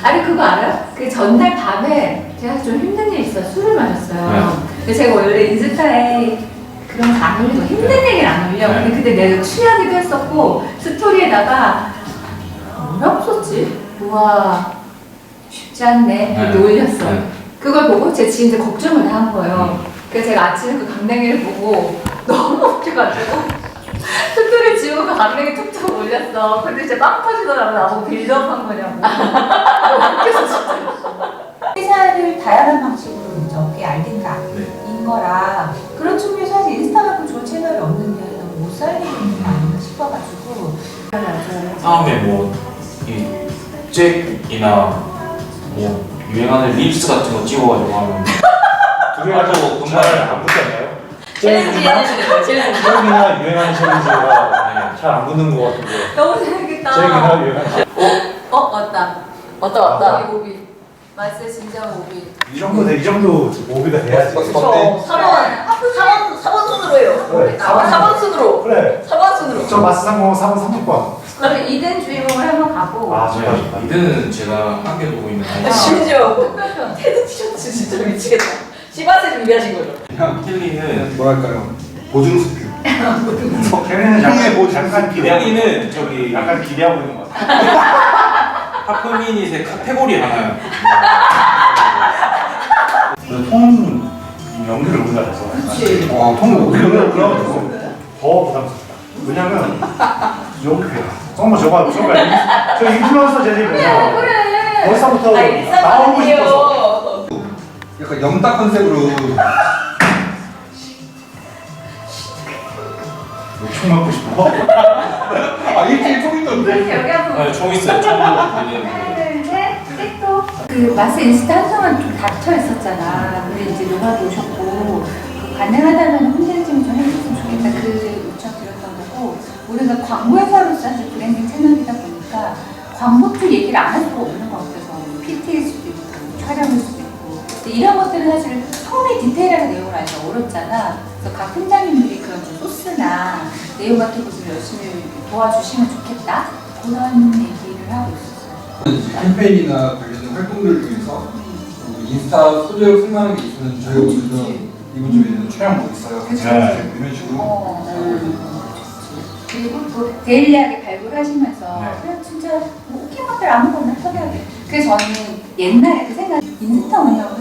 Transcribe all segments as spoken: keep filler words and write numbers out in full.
아니 그거 알아요? 그 전날 밤에 제가 좀 힘든 일이 있어 술을 마셨어요. 네. 근데 제가 원래 인스타에 그런 거 안 올리고 힘든 네. 얘기를 안 올려. 네. 근데 그때 내가 취하기도 했었고 스토리에다가 뭐라고 썼지? 우와 쉽지 않네 이렇게 네. 올렸어. 네. 그걸 보고 제 지인들 걱정을 다 한 거예요. 음. 그래서 제가 아침에 그 강냉이를 보고 너무 웃겨가지고 스토리 지우고 강냉이 툭툭 올렸어. 근데 진짜 빵 터지더라고. 나보고 빌드업 한 거냐고. 웃겨서 진짜. 회사를 다양한 방식으로 이제 어깨에 알린다 네. 인 거라 그런 측면에서 사실 인스타만큼 좋은 채널이 없는데 너무 못 살리는 게 아닌가 싶어가지고 다음에 뭐 이 잭이나 뭐 유행하는 립스 같은 거 찍어가지고 하면 두 개가 또 금방 안 붙잖아요. 챌린지 하시는 거예요. 챌린지 잭이나 유행하는 챌린지가 잘 안 붙는 것 같은데 너무 재밌겠다. 잭이나 유행하는 어? 어? 왔다. 왔다 왔다. 이 오비. 마스 진짜 오비. 이 정도 이 정도 오비가 돼야지. 그렇죠. 삼 번 사 번 순으로 해요. 그래. 사 번 순으로. 그래. 사 번 순으로. 저 마스 상공 삼 번 삼십 번. 그럼 이든 주인공을 한번 가고. 아 좋다 좋다. 이드는 제가 함께 보고 있는 아, 심지어 테드 티셔츠 진짜 미치겠다. 시바세 준비하신 거죠? 그냥 켈리는 뭐랄까요? 보증 수표. 걔네는 형의 뭐 약간 켈리는 저기 약간 기대하고 있는 것 같아. 하프미닛의 카테고리 하나 통 연기를 우리가 해서. 그치. 와, 통로. 그러면 그러면 더 부담스럽다. 왜냐면 이렇게 정말 저거 저거 저 인플루언서 재질이에요. 그래. 벌써부터 아, 일상 나오고 싶어서. 아니에요. 약간 영딱 컨셉으로. 총 맞고 싶어. 아, 일주일 총 있던데. 여기 한번. 네, 총 있어요. 총도 하나, 둘, 셋, 또. 그 마스 인스타 한동안 좀 닫혀 있었잖아. 근데 이제 노가도 오셨고 그 가능하다면 홈페이지 좀 해줬으면 좋겠다. 그 요청 드렸던 거고 우리가 광고회사로서 사실 브랜딩 채널이다 보니까 광고 쪽 얘기를 안 할 수가 없는 것 같아서 피티일 수도 있고 촬영일 수도 있고 근데 이런 것들은 사실 처음에 디테일하게 내용을 알기가 어렵잖아. 그래서 각 팀장님들이 그런 좀 소스나 내용 같은 것을 열심히 도와주시면 좋겠다. 그런 얘기를 하고 있었어요. 캠페인이나 관련된 활동들을 통해서 인스타 소재로 쓸만한 게 있으면 저희가 먼저 이번 주에는 촬영 뭐 있어요. 같이 그치. 해주세요. 이런 식으로. 어, 어. 그리고 또 데일리하게 발굴하시면서 네. 그냥 진짜 뭐 웃긴 것들 아무거나 섭외하게. 그래서 저는 옛날에 그 생각 인스타 운영을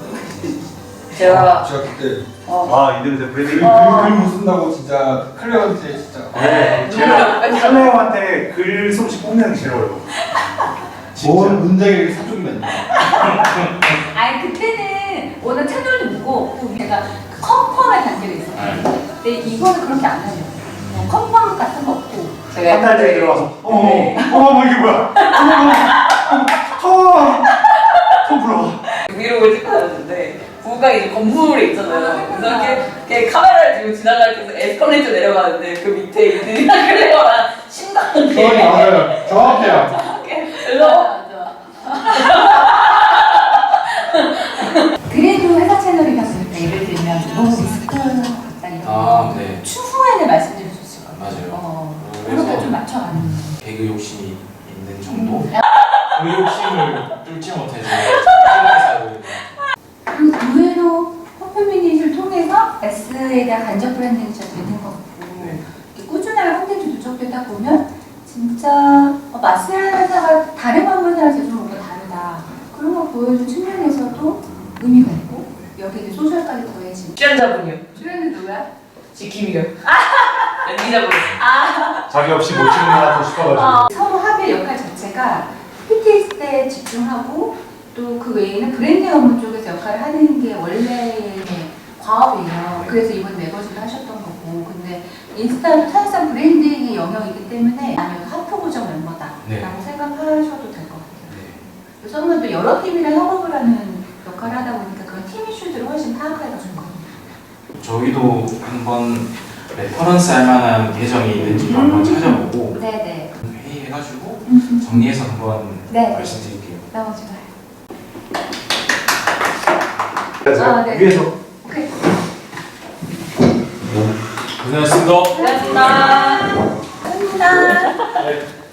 제가 제가 그때 어. 아 이들에서 브랜딩. 글못 쓴다고 진짜 클레어한테 진짜. 네. 제가 클레어한테 글 솜씨 뽐내는 게 제일 어려워. 뭔 문장이 사족이 아니야. 아니 그때는 워낙 채널도 무거웠고 제가 컨펌의 단계가 있었거든요. 근데 이거는 그렇게 안 하려고. 어, 컨펌 같은 거 없고 한 달째 들어와서 어머 어머 뭐 이게 뭐야? 어머 어머 통 불어. 브이로그를 찍고 다녔는데 부부가 이제 건물에 있잖아요. 그래서 이렇게, 이렇게 카메라를 들고 지나갈 때 에스컬레이터 내려가는데 그 밑에 이들이랑 클레어랑 심각하게 정확히 맞아요. 정확해요. 그래서 그래도 회사 채널이다 보니까 예를 들면 너무 리스크 같다 이런 아, 거 네. 추후에는 말씀드릴 수 있을 것 같아요. 맞아요. 어, 그래서 그렇게 좀 맞춰가는 개그 욕심이 있는 정도? 그 욕심을 뚫지 못해서 생각해서 하고 있는 그리고 의외로 퍼플미닛을 통해서 S에 대한 간접 브랜딩이 잘 되는 것 같고 네. 이렇게 꾸준하게 콘텐츠 누적되다 보면 진짜 어, 마스라는 회사가 다른 광고사랑 제좀 뭔가 다르다 그런 걸 보여준 측면에서도 의미가 있고 여기 이제 소셜까지 더해지면 출연자분이요. 출연은 누구야? 지킴이요. 연기자분. 자기 없이 못 찍는 것 같아 싶어가지고. 어, 서로 합의 역할 자체가 피티에스 때 집중하고 또 그 외에는 브랜딩 업무 쪽에서 역할을 하는 게 원래의 과업이에요. 그래서 이번 매거진을 하셨던 거고 근데 인스타도 사실상 브랜딩의 영역이기 때문에 아니면 하프 고정 멤버다라고 네. 생각하셔도 될 것 같아요. 네. 그래서 저는 또 여러 팀이랑 협업을 하는 역할을 하다 보니까 그런 팀 이슈들을 훨씬 파악하기가 좋은 것 같아요. 저희도 한번 레퍼런스 할 만한 계정이 있는지 음. 한번 찾아보고 네네. 회의해가지고 음. 정리해서 한번 네. 말씀드릴게요. 너무 좋아요. 그래서 아, 네. 위에서 오케이. 고생하셨습니다. 고맙습니다. 감사합니다. 네.